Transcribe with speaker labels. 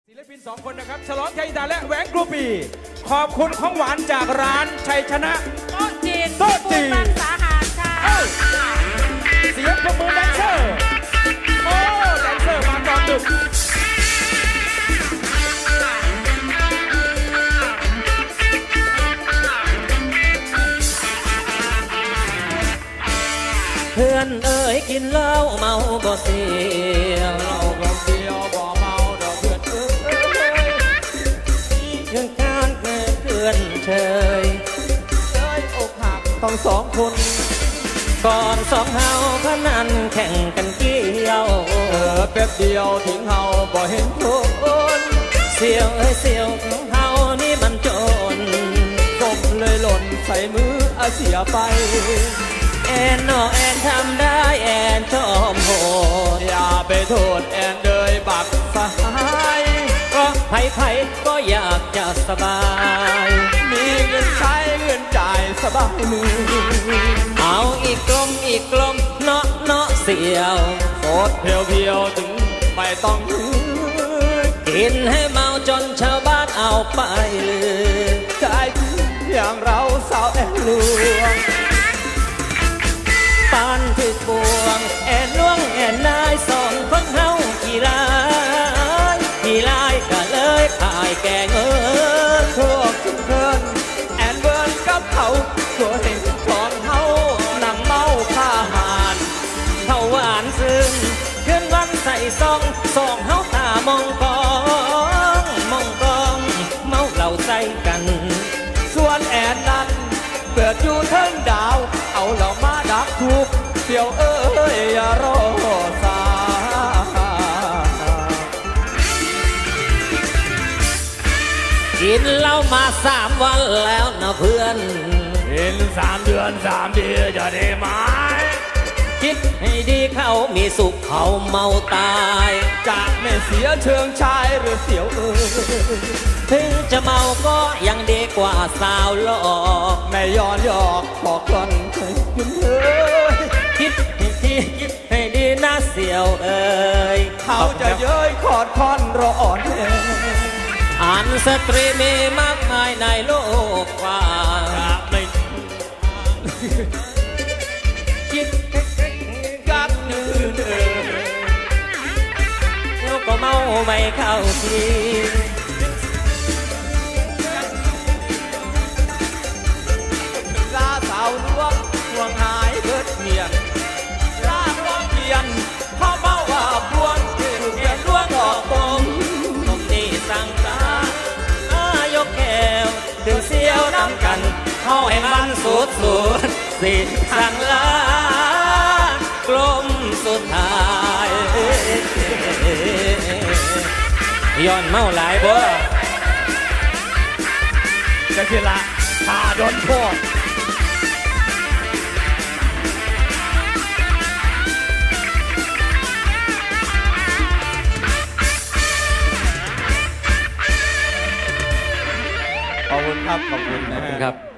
Speaker 1: ศิลปิน2 คนนะครับฉลองชัยอินทราและแหวงกรูปี ขอบคุณของหวานจากร้านชัยชนะ
Speaker 2: โต๊ะจีน
Speaker 1: โต๊ะจีน
Speaker 2: บางสาหารค่ะ
Speaker 1: เสียงปรบมือแดนเซอร์โอ้แดนเซอร์มาตอนดึก
Speaker 3: เพื่อนเอ๋ยกินเหล้าเมาบ่เสียว
Speaker 1: เราก็เดียวบ่เมาดอกเพื่อนเอ้ย
Speaker 3: เรื่องการเกิดเพื่อนเฉย
Speaker 1: เอ้ยอกหักต้อง2 คน
Speaker 3: ก่อน2เฮาพนันแข่งกันเกี่ยว
Speaker 1: แป๊บเดียวถึงเฮาบ่เห็นคน
Speaker 3: เสียวเอ้ยเสียวของเฮานี่มันจน
Speaker 1: ผมเลยหล่นใส่มืออาเสียไป
Speaker 3: แอนนอแอนทำได้แอนชอบโหด
Speaker 1: อย่าไปโทษแอนเลยบักสหาย
Speaker 3: ก็ไผ่ก็อยากจะสบาย
Speaker 1: มีเงินใช้เงินจ่ายสบายมือ
Speaker 3: เอาอีกกลมเนาะเสียว
Speaker 1: โคตรเพียวถึงไม่ต้อง
Speaker 3: กินให้เมาจนชาวบ้านเอาไปเลย
Speaker 1: ใจอย่างเราสาวแอนลวง
Speaker 3: ปานถึกบวงแอนล่วงแอนนาย2 คนเฮากี่ลายก็เลยขายแกง
Speaker 1: พวกทุกเพื่อนแอนเบิร์นกับเขาตัวเองของเฮานั่งเมาข้าหาน
Speaker 3: เขาหวานซึ้งขึ้นวันใส่ซองเฮาตามองกองเมาเหล่าใส่กัน
Speaker 1: ส่วนแอนนั้นเปิดอยู่เทิงดาวเอาเหล่ามาดักทุกเสี่ยวเอ้ยอย่ารอสา
Speaker 3: กินเหล้ามา3 วันแล้วนะเพื่อน
Speaker 1: เห็น3 เดือน3 ปีจะได้ไหม
Speaker 3: คิดให้ดีเขามีสุขเขาเมาตาย
Speaker 1: จากไม่เสียเชิงชายหรือเสียวเอ้ย
Speaker 3: ถึงจะเมาก็ยังดีกว่าสาวหลอก
Speaker 1: ไม่ย้อนหยอกบอกก่อนให้คุณเอ้ย
Speaker 3: คิดให้ดีนะเสียวเอ้ย
Speaker 1: เขาจะเย้ยขอดคอนรออ่อน
Speaker 3: อ่านสตรีมีมากมายในโลกกว้างคิด
Speaker 1: กับนือ
Speaker 3: แล้วก็เมาไม่เข้าที
Speaker 1: ลาสาวลวงห่วงหายเบิดเมียนลาลวงเพียนพ่อเมาว่าพวงเพียนลวงออกตรง
Speaker 3: นี่สั่งการยกแก้วถึงเสียวน้ำกันเข้าให้มันสุดสิสั่งลากลมสุดท้ายย้อนเมาหลายบ่
Speaker 1: จะคือละพาโดนโทษขอบคุณครับขอบคุณนะครับ